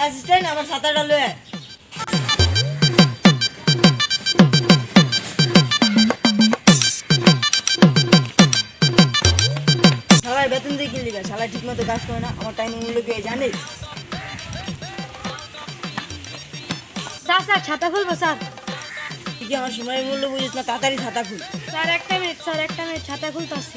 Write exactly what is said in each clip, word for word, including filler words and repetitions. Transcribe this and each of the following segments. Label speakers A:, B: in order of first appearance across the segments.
A: assistant আমার ছাতাটা লয়ে শালার বেতন দিয়ে কিনলি গা শালা ঠিক মতো কাজ করে না আমার টাইম মূল্য কে জানে
B: স্যার স্যার ছাতা খুলবো স্যার
A: তুই কি আমার সময়ের মূল্য বুঝিস না তাড়াতাড়ি ছাতা খুল
B: স্যার একটা মিনিট স্যার একটা মিনিট ছাতা খুলতে আসছি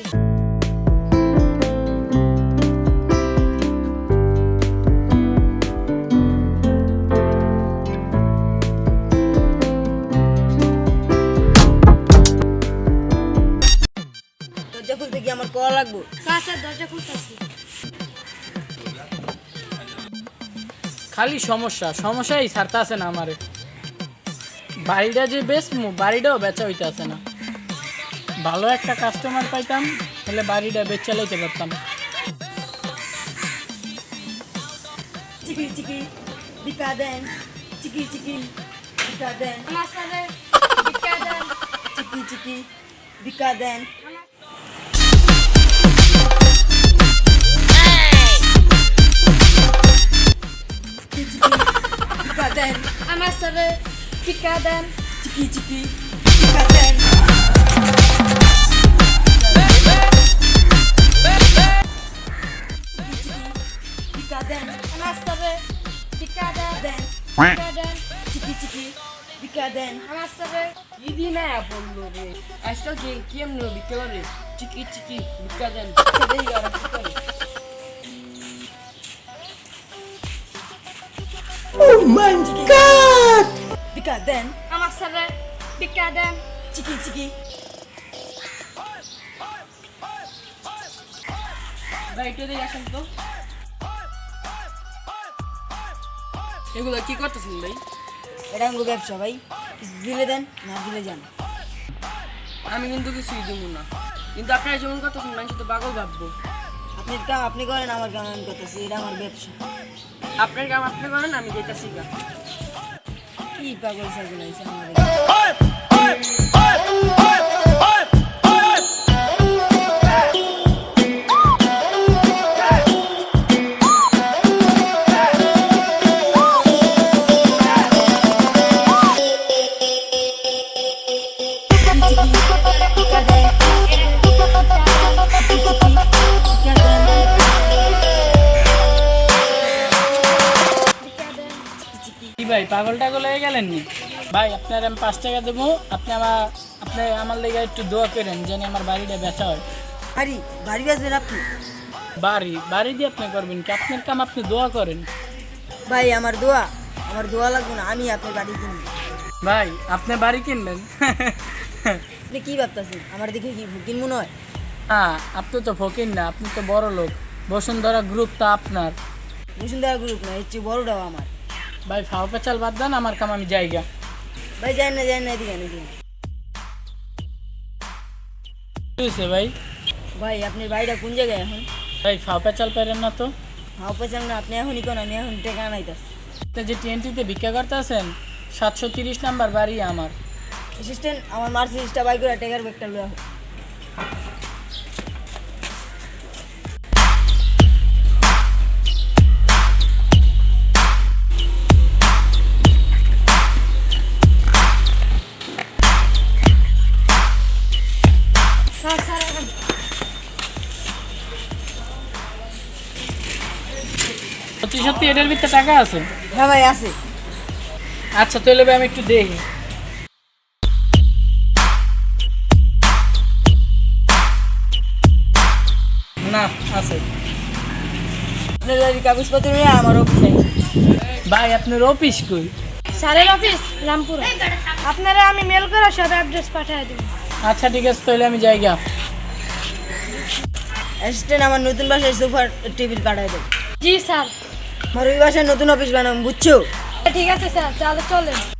A: দরজা খুলতে কি আমার কল লাগবো
B: স্যার স্যার দরজা খুলতে আসছি
C: খালি সমস্যা সমস্যাই ছাড়তে আসে না আমারে বাড়িটা যে বেচমু বাড়িটাও বেচা হইতে আসে না ভালো একটা কাস্টমার পাইতাম তাহলে বাড়িটা বেচ চালাইতে পারতাম
A: চিকি চিকি বিকা দেন চিকি চিকি বিকা দেন
B: আমার স্যারে ভিক্ষা দেন
A: চিকি চিকি বিকা দেন চিকি চিকি বিকা দেন
B: আমার স্যারে ভিক্ষা দেন
A: চিকি চিকি বিকা দেন বিকা দেন
B: আমার স্যারে ভিক্ষা দেন
A: দেন
B: ভিক্ষা দেন
A: চিকি চিকি বিকা দেন
B: আমার স্যারে
D: ইদি না বললো রে আজকাল কি কেমন বিকেল রে চিকি চিকি বিকা দেন সেটাই আর কি করে
A: বিকা দেন
B: আমার স্যারে ভিক্ষা দেন
A: চিকি চিকি
D: ভাই একটু দিয়ে আসেন তো এগুলো কি করতেছেন ভাই
A: এটা আমার ব্যবসা ভাই কিছু দিলে দেন না দিলে যান
D: আমি কিন্তু কিছুই দেবো না কিন্তু আপনারা যেমন করতেছেন মানুষ তো পাগল ভাববো
A: আপনি কাম আপনি করেন আমার কাম আমি করতেছি এটা আমার ব্যবসা
D: আপনার কাম আপনি করেন আমি যেতেছি গা
A: কি পাগল সাগল হয়েছে আমার
C: কি ভাই পাগল টাগল হয়ে গেলেন নি ভাই আপনার আমি পাঁচ টাকা দেবো আপনি আমার আপনি আমার লেগে একটু দোয়া করেন যেন আমার বাড়িটা বেচা হয়
A: বাড়ি বাড়ি আসবেন আপনি
C: বাড়ি বাড়ি দিয়ে আপনি করবেন কি আপনার কাম আপনি দোয়া করেন
A: ভাই আমার দোয়া আমার দোয়া লাগবে না আমি আপনার বাড়ি কিনবো
C: ভাই আপনি বাড়ি কিনবেন
A: আপনি কি ভাবতেছেন আমার দিকে কি ভুকিন মনে হয়
C: হ্যাঁ আপনি তো ফকির না আপনি তো বড় লোক বসুন্ধরা গ্রুপ তো আপনার
A: বসুন্ধরা গ্রুপ না এর চেয়ে বড়টাও আমার
C: ভাই ফাও পেঁচাল বাদ দেন আমার কাম আমি জায়গা
A: ভাই যাই না যাই না এদিকে এদিকে
C: কি হয়েছে ভাই
A: ভাই আপনার বাড়িটা কোন জায়গায় এখন
C: ভাই ফাও পেঁচাল পারেন না তো
A: হাও পেছান না আপনি এখনই কোন আমি এখন টেকা আনাইতাছি
C: আপনি যে টিএনটিতে ভিক্ষা করতে আছেন সাতশো তিরিশ নাম্বার বাড়ি আমার
A: অ্যাসিস্ট্যান্ট আমার মার্সিডিসটা বাই করে টেকার ব্যাগটা লয়ে হোক
B: স্যার স্যার
C: সত্যি সত্যি এটার ভিতরে টাকা আছে
A: হ্যাঁ ভাই আছে
C: আচ্ছা তাহলে ভাই আমি একটু দেখি না আছে
A: আপনার বাড়ির কাগজপত্র নিয়ে আমার অফিসে
C: ভাই আপনার অফিস কই
B: স্যারের অফিস রামপুর আপনারা আমি মেল করে সব অ্যাড্রেস পাঠিয়ে দেব
C: আচ্ছা ঠিক আছে তাহলে আমি যাই গা
A: অ্যাসিস্ট্যান্ট আমার নতুন বাসায় সোফার টেবিল কাটাই দেব
B: জি স্যার
A: আমার ওই বাসায় নতুন অফিস বানাবো বুঝছো
B: ঠিক আছে স্যার তাহলে চলেন